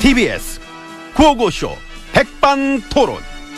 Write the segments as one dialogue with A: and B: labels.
A: TBS 구호고쇼 백반토론.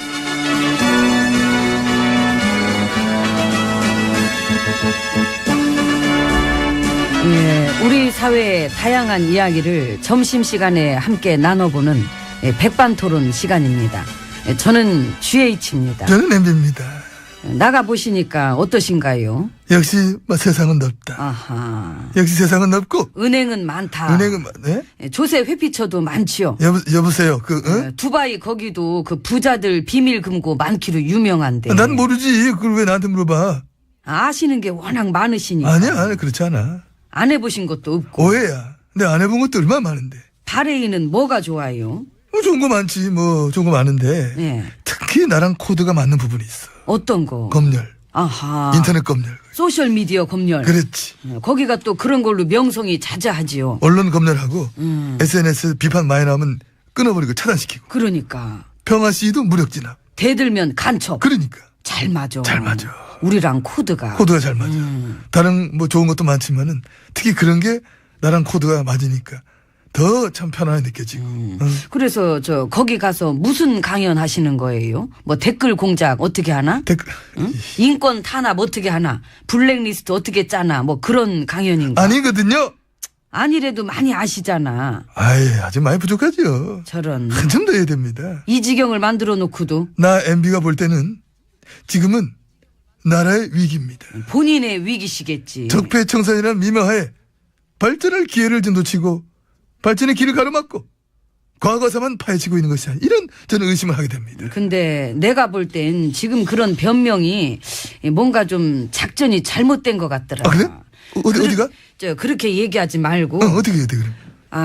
B: 예, 우리 사회의 다양한 이야기를 점심시간에 함께 나눠보는 백반토론 시간입니다. 저는 GH입니다.
C: 저는 MB입니다.
B: 나가보시니까 어떠신가요?
C: 역시 세상은 넓다.
B: 아하.
C: 역시 세상은 넓고
B: 은행은 많다.
C: 은행은 네?
B: 조세 회피처도 많지요.
C: 여보세요.
B: 두바이 거기도 그 부자들 비밀 금고 많기로 유명한데.
C: 난 모르지. 그걸 왜 나한테 물어봐?
B: 아시는 게 워낙 많으시니까.
C: 아니야, 그렇지 않아.
B: 안 해보신 것도 없고.
C: 오해야. 내가 안 해본 것도 얼마나 많은데.
B: 바레인은 뭐가 좋아요?
C: 좋은 거 많지. 좋은 거 많은데.
B: 예.
C: 특히 나랑 코드가 맞는 부분이 있어.
B: 어떤 거?
C: 검열.
B: 아하.
C: 인터넷 검열.
B: 소셜미디어 검열.
C: 그렇지.
B: 거기가 또 그런 걸로 명성이 자자하지요.
C: 언론 검열하고 SNS 비판 많이 나오면 끊어버리고 차단시키고.
B: 그러니까.
C: 평화 시위도 무력 진압.
B: 대들면 간첩.
C: 그러니까.
B: 잘 맞아.
C: 잘 맞아.
B: 우리랑 코드가.
C: 코드가 잘 맞아. 다른 좋은 것도 많지만은 특히 그런 게 나랑 코드가 맞으니까 더 참 편안하게 느껴지고.
B: 그래서 거기 가서 무슨 강연 하시는 거예요? 뭐 댓글 공작 어떻게 하나?
C: 댓글.
B: 응? 인권 탄압 어떻게 하나? 블랙리스트 어떻게 짜나? 뭐 그런 강연인가?
C: 아니거든요.
B: 아니래도 많이 아시잖아.
C: 아이, 아직 많이 부족하죠.
B: 저런.
C: 한참 더 해야 됩니다.
B: 이 지경을 만들어 놓고도.
C: 나 MB가 볼 때는 지금은 나라의 위기입니다.
B: 본인의 위기시겠지.
C: 적폐청산이라는 미명하에 발전할 기회를 좀 놓치고 발전의 길을 가로막고 과거사만 파헤치고 있는 것이 아니라 이런 저는 의심을 하게 됩니다.
B: 근데 내가 볼 땐 지금 그런 변명이 뭔가 좀 작전이 잘못된 것 같더라.
C: 아, 그래? 어디가?
B: 그렇게 얘기하지 말고.
C: 어떻게 해야 돼, 그럼?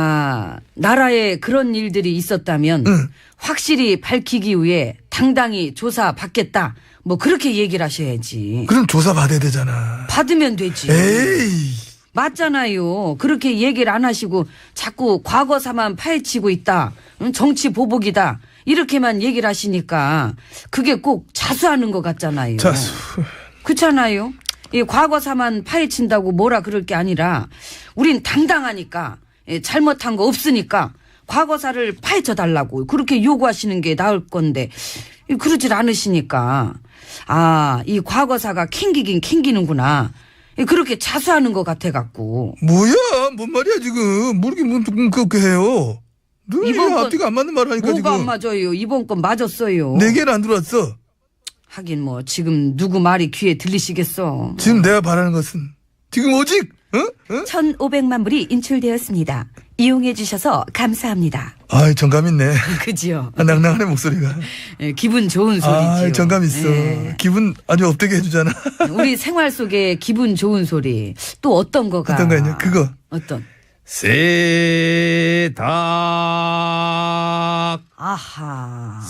B: 나라에 그런 일들이 있었다면 확실히 밝히기 위해 당당히 조사받겠다. 뭐 그렇게 얘기를 하셔야지.
C: 그럼 조사 받아야 되잖아.
B: 받으면 되지.
C: 에이.
B: 맞잖아요. 그렇게 얘기를 안 하시고 자꾸 과거사만 파헤치고 있다. 정치 보복이다. 이렇게만 얘기를 하시니까 그게 꼭 자수하는 것 같잖아요.
C: 자수.
B: 그렇잖아요. 이 과거사만 파헤친다고 뭐라 그럴 게 아니라 우린 당당하니까 잘못한 거 없으니까 과거사를 파헤쳐 달라고 그렇게 요구하시는 게 나을 건데 그러질 않으시니까 이 과거사가 캥기긴 캥기는구나. 그렇게 자수하는 것 같아갖고.
C: 뭐야? 뭔 말이야 지금? 모르게 그렇게 해요. 늘 앞뒤가 안 맞는 말을 하니까
B: 뭐가
C: 지금.
B: 안 맞아요? 이번 건 맞았어요.
C: 네 개는 안 들어왔어.
B: 하긴 뭐 지금 누구 말이 귀에 들리시겠어.
C: 지금 내가 바라는 것은 지금 오직
B: 1,500만 불이 인출되었습니다. 이용해 주셔서 감사합니다.
C: 아이 정감 있네.
B: 그지요?
C: 낭낭하네 목소리가.
B: 기분 좋은 소리지요.
C: 정감 있어. 기분 아주 업되게 해주잖아.
B: 우리 생활 속에 기분 좋은 소리 또 어떤 거가?
C: 어떤 거냐? 그거.
B: 어떤?
A: 세탁
B: 아하.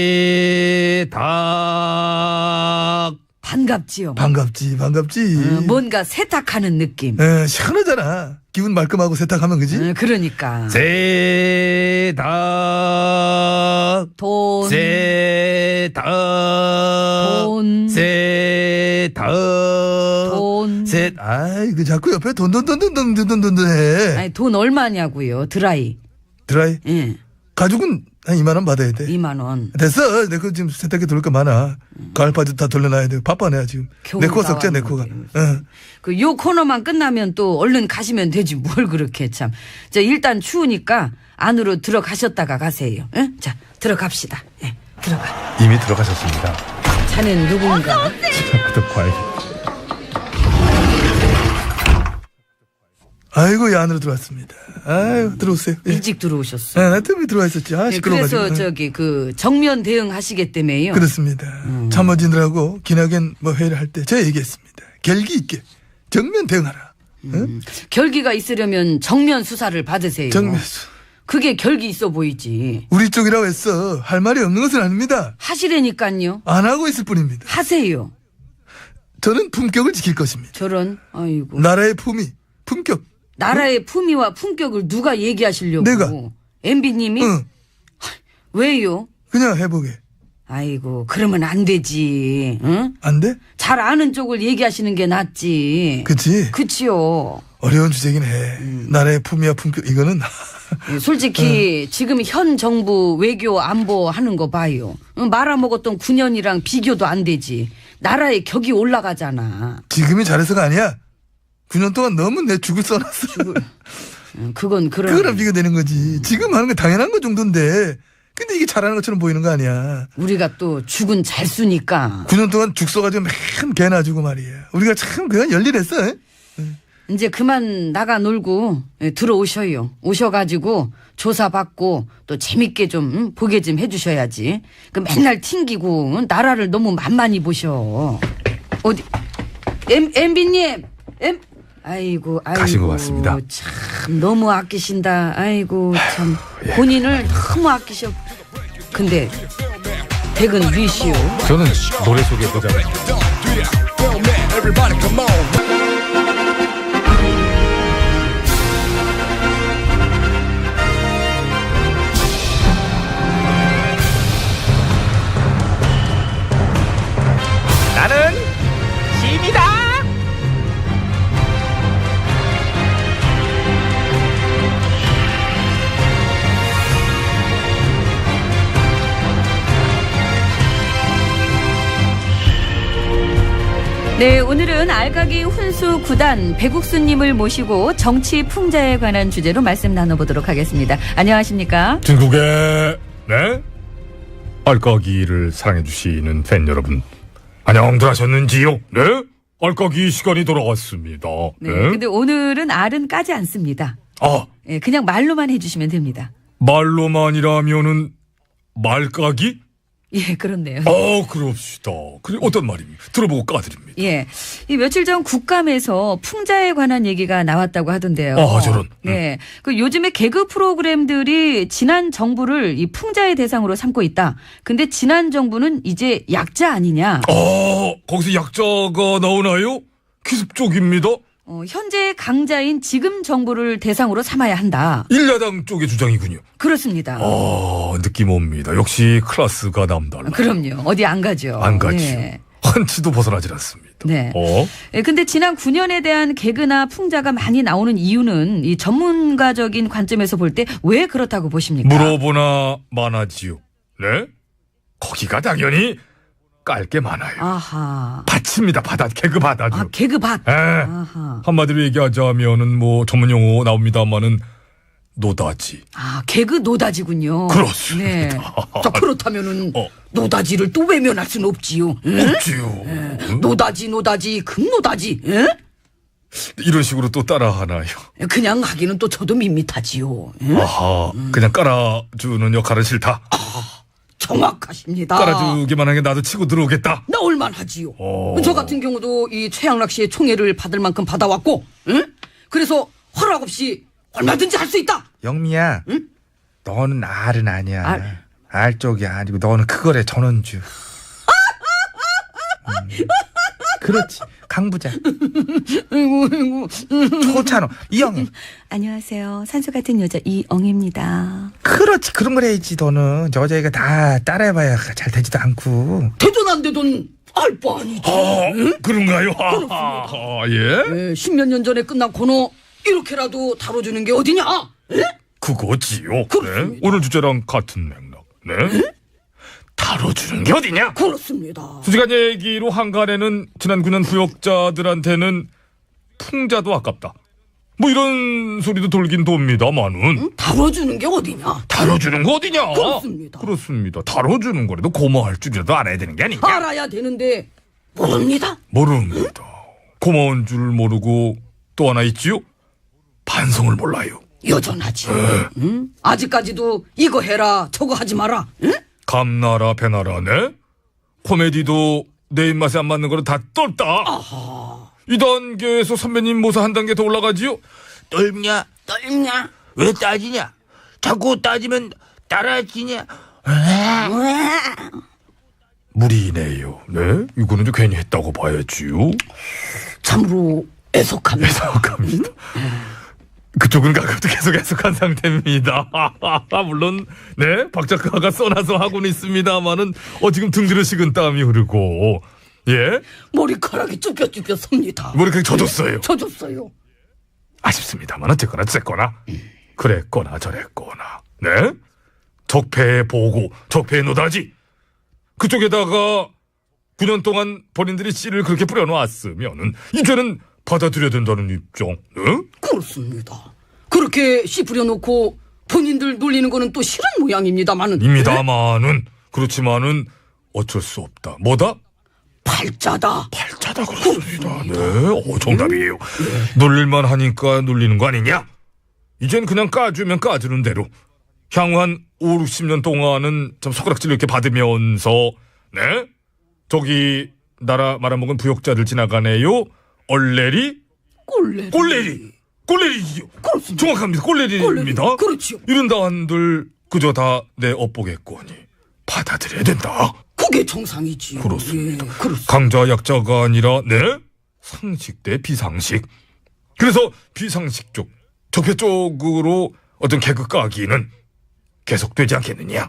A: 세탁.
B: 반갑지요.
C: 반갑지.
B: 뭔가 세탁하는 느낌.
C: 시원하잖아. 기분 말끔하고 세탁하면 그지?
B: 그러니까.
A: 세탁.
B: 돈.
A: 세탁.
B: 돈.
A: 세탁.
B: 돈.
C: 그 자꾸 옆에 돈 해.
B: 아니 돈 얼마냐고요? 드라이.
C: 드라이?
B: 예.
C: 가죽은 한 2만 원 받아야 돼.
B: 2만 원.
C: 됐어. 내 거 지금 세탁기 돌릴 거 많아. 가을 바지 다 돌려놔야 돼. 바빠 내가 지금. 내 코 썩자 내 코가.
B: 요 코너만 끝나면 또 얼른 가시면 되지 뭘 그렇게 참. 일단 추우니까 안으로 들어가셨다가 가세요. 응? 자 들어갑시다. 예, 들어가.
A: 이미 들어가셨습니다.
B: 자넨 누군가?
A: 또 과일.
C: 아이고, 야, 안으로 들어왔습니다. 아유, 들어오세요. 예.
B: 일찍 들어오셨어.
C: 나 때문에 들어와 있었지. 시끄러워가지고.
B: 그래서 정면 대응하시겠다며요.
C: 그렇습니다. 참모진들하고 기나긴 회의를 할 때 제가 얘기했습니다. 결기 있게 정면 대응하라. 응?
B: 결기가 있으려면 정면 수사를 받으세요.
C: 정면수.
B: 그게 결기 있어 보이지.
C: 우리 쪽이라고 했어. 할 말이 없는 것은 아닙니다.
B: 하시라니까요.
C: 안 하고 있을 뿐입니다.
B: 하세요.
C: 저는 품격을 지킬 것입니다.
B: 저런. 아이고.
C: 나라의 품위, 품격.
B: 나라의 품위와 품격을 누가 얘기하시려고?
C: 내가.
B: MB님이?
C: 응.
B: 왜요?
C: 그냥 해보게.
B: 아이고 그러면 안 되지. 응?
C: 안 돼?
B: 잘 아는 쪽을 얘기하시는 게 낫지.
C: 그치?
B: 그치요.
C: 어려운 주제긴 해. 나라의 품위와 품격 이거는
B: 솔직히 지금 현 정부 외교 안보 하는 거 봐요. 말아먹었던 9년이랑 비교도 안 되지. 나라의 격이 올라가잖아.
C: 지금이 잘해서가 아니야. 9년 동안 너무 내 죽을 써놨어.
B: 그건 그런.
C: 그거랑 비교되는 거지. 지금 하는 게 당연한 거 정도인데. 근데 이게 잘하는 것처럼 보이는 거 아니야.
B: 우리가 또 죽은 잘 쑤니까.
C: 9년 동안 죽 써가지고 맨 개나 주고 말이야. 우리가 참 그건 열일했어. 에?
B: 이제 그만 나가 놀고 들어오셔요. 오셔가지고 조사받고 또 재밌게 좀 보게 좀 해주셔야지. 그 맨날 튕기고 나라를 너무 만만히 보셔. 어디 MB님 아이고
A: 가신 것 같습니다.
B: 참 너무 아끼신다. 아이고 참 본인을 너무 아끼셔. 근데 백은 위시오.
A: 저는 노래 소개해보자면
D: Everybody come on.
A: 나는 힘이다.
E: 네, 오늘은 알까기 훈수 9단 배국수님을 모시고 정치 풍자에 관한 주제로 말씀 나눠보도록 하겠습니다. 안녕하십니까?
A: 중국의 네 알까기를 사랑해주시는 팬 여러분 안녕들 하셨는지요? 네 알까기 시간이 돌아왔습니다.
E: 네, 근데 오늘은 알은 까지 않습니다.
A: 아
E: 예, 그냥 말로만 해주시면 됩니다.
A: 말로만이라면은 말까기?
E: 예, 그렇네요.
A: 그럽시다. 그래 어떤 말입니까? 들어보고 까드립니다.
E: 예, 이 며칠 전 국감에서 풍자에 관한 얘기가 나왔다고 하던데요.
A: 저런.
E: 네, 그 요즘에 개그 프로그램들이 지난 정부를 이 풍자의 대상으로 삼고 있다. 근데 지난 정부는 이제 약자 아니냐?
A: 거기서 약자가 나오나요? 기습 쪽입니다.
E: 현재 강자인 지금 정부를 대상으로 삼아야 한다.
A: 일야당 쪽의 주장이군요.
E: 그렇습니다.
A: 느낌 옵니다. 역시 클래스가 남달라.
E: 그럼요. 어디 안 가죠.
A: 안 가죠.
E: 네.
A: 한치도 벗어나질 않습니다.
E: 네. 예, 근데 지난 9년에 대한 개그나 풍자가 많이 나오는 이유는 이 전문가적인 관점에서 볼 때 왜 그렇다고 보십니까?
A: 물어보나 마나지요. 네? 거기가 당연히 깔 게 많아요.
E: 아하.
A: 밭입니다. 개그 밭아주.
E: 개그 밭.
A: 예.
E: 아하.
A: 한마디로 얘기하자면은 뭐 전문 용어 나옵니다만은 노다지.
E: 개그 노다지군요.
A: 그렇습니다.
E: 네. 자, 그렇다면은 노다지를 또 외면할 수는 없지요. 응?
A: 없지요.
E: 노다지, 금노다지. 응?
A: 이런 식으로 또 따라하나요?
B: 그냥 하기는 또 저도 밋밋하지요. 응?
A: 아하. 그냥 깔아주는 역할은 싫다.
B: 정확하십니다.
A: 깔아주기만 하게 나도 치고 들어오겠다.
B: 나올만 하지요. 저 같은 경우도 이 최양락 씨의 총애를 받을 만큼 받아왔고, 응? 그래서 허락 없이 얼마든지 할 수 있다.
F: 영미야,
B: 응?
F: 너는 알은 아니야.
B: 알?
F: 알 쪽이 아니고 너는 그거래 전원주. 그렇지, 강부장.
B: 아이고.
F: 좋잖아, 이영애.
E: 안녕하세요. 산소 같은 여자 이엉입니다.
F: 그렇지, 그런 걸 해야지. 너는 여자애가 다 따라해봐야 잘 되지도 않고.
B: 되든 안 되든 알 바 아니지.
A: 그런가요? 예?
B: 10몇 년 전에 끝난 코너 이렇게라도 다뤄주는 게 어디냐? 에?
A: 그거지요.
B: 그렇습니다.
A: 네? 오늘 주제랑 같은 맥락. 네? 다뤄주는 게 어디냐?
B: 그렇습니다.
A: 솔직한 얘기로 한간에는 지난 9년 부역자들한테는 풍자도 아깝다. 뭐 이런 소리도 돌긴 돕니다만은
B: 다뤄주는 게 어디냐?
A: 다뤄주는 거 어디냐?
B: 그렇습니다.
A: 그렇습니다. 다뤄주는 거라도 고마워할 줄이라도 알아야 되는 게 아니냐?
B: 알아야 되는데 모릅니다.
A: 모릅니다. 고마운 줄 모르고 또 하나 있지요? 반성을 몰라요.
B: 여전하지. 응? 아직까지도 이거 해라 저거 하지 마라. 응?
A: 감나라 배나라네? 코미디도 내 입맛에 안 맞는 거는 다 떫다. 이 단계에서 선배님 모사 한 단계 더 올라가지요?
F: 떫냐?
B: 떨냐?
F: 왜 따지냐? 자꾸 따지면 따라지냐?
A: 무리네요. 네? 이거는 좀 괜히 했다고 봐야지요.
B: 참으로 애석합니다.
A: 애석합니다. 그쪽은 가급도 계속 애석한 상태입니다. 물론 네, 박 작가가 써놔서 하고는 있습니다만은 지금 등 뒤로 식은 땀이 흐르고 예?
B: 머리카락이 쭈뼛쭈뼛 섭니다.
A: 머리카락 젖었어요.
B: 젖었어요.
A: 아쉽습니다만 어쨌거나 그랬거나 저랬거나, 네? 적폐의 보고, 적폐의 노다지. 그쪽에다가 9년 동안 본인들이 씨를 그렇게 뿌려놓았으면은 이제는 받아들여야 된다는 입장, 네?
D: 그렇습니다. 그렇게 씨 뿌려놓고 본인들 놀리는 거는 또 싫은 모양입니다만은.
A: 입니다마는, 그렇지만은 어쩔 수 없다. 뭐다?
D: 팔자다.
A: 팔자다 그렇습니다. 네, 정답이에요. 놀릴만 하니까 놀리는 거 아니냐? 이젠 그냥 까주면 까주는 대로 향후 한 5, 60년 동안은 좀 손가락질 이렇게 받으면서, 네? 저기 나라 말아먹은 부역자들 지나가네요. 얼레리? 꼴레리. 꼴레리지요.
D: 그렇습니다.
A: 정확합니다. 꼴레리입니다.
D: 꼴레리. 그렇지요.
A: 이른다 한들 그저 다 내 업보겠거니 받아들여야 된다.
D: 그게 정상이지요.
A: 그렇습니다.
D: 예, 그렇습니다.
A: 강자 약자가 아니라 네? 상식 대 비상식. 그래서 비상식 쪽, 적폐 쪽으로 어떤 개그 까기는 계속되지 않겠느냐.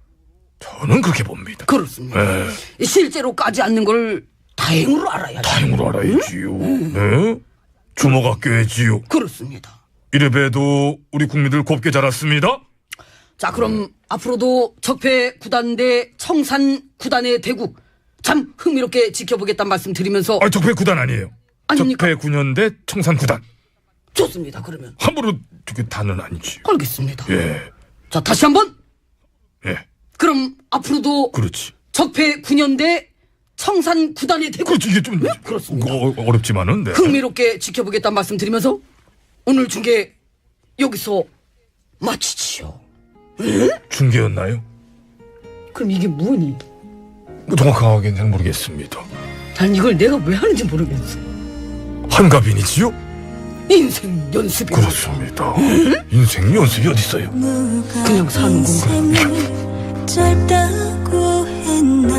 A: 저는 그렇게 봅니다.
D: 그렇습니다.
A: 네.
D: 실제로 까지 않는 걸 다행으로 알아야죠.
A: 다행으로 알아야지요. 네? 주먹아 꿰지요.
D: 그렇습니다.
A: 이래봬도 우리 국민들 곱게 자랐습니다.
D: 자, 그럼 앞으로도 적폐 구단 대 청산 구단의 대국 참 흥미롭게 지켜보겠다는 말씀 드리면서
A: 아, 적폐 구단 아니에요.
D: 아닙니까?
A: 적폐 9년대 청산 구단.
D: 좋습니다. 그러면
A: 함부로 저게 단은 아니지.
D: 알겠습니다.
A: 예,
D: 자, 다시 한번.
A: 예,
D: 그럼 앞으로도
A: 그렇지.
D: 적폐 9년대 청산 구단의 대국
A: 그렇지. 이게 좀
D: 그렇습니다.
A: 어렵지만은. 네.
D: 흥미롭게 지켜보겠다는 말씀 드리면서 오늘 중계 여기서 마치지요.
A: 중계였나요?
D: 그럼 이게 뭐니?
A: 정확하게는 잘 모르겠습니다.
D: 난 이걸 내가 왜 하는지 모르겠어.
A: 한가빈이지요?
D: 인생 연습이
A: 그렇습니다. 인생 연습이 어디 있어요?
D: 그냥 사는 건가?
G: 짧다고 했나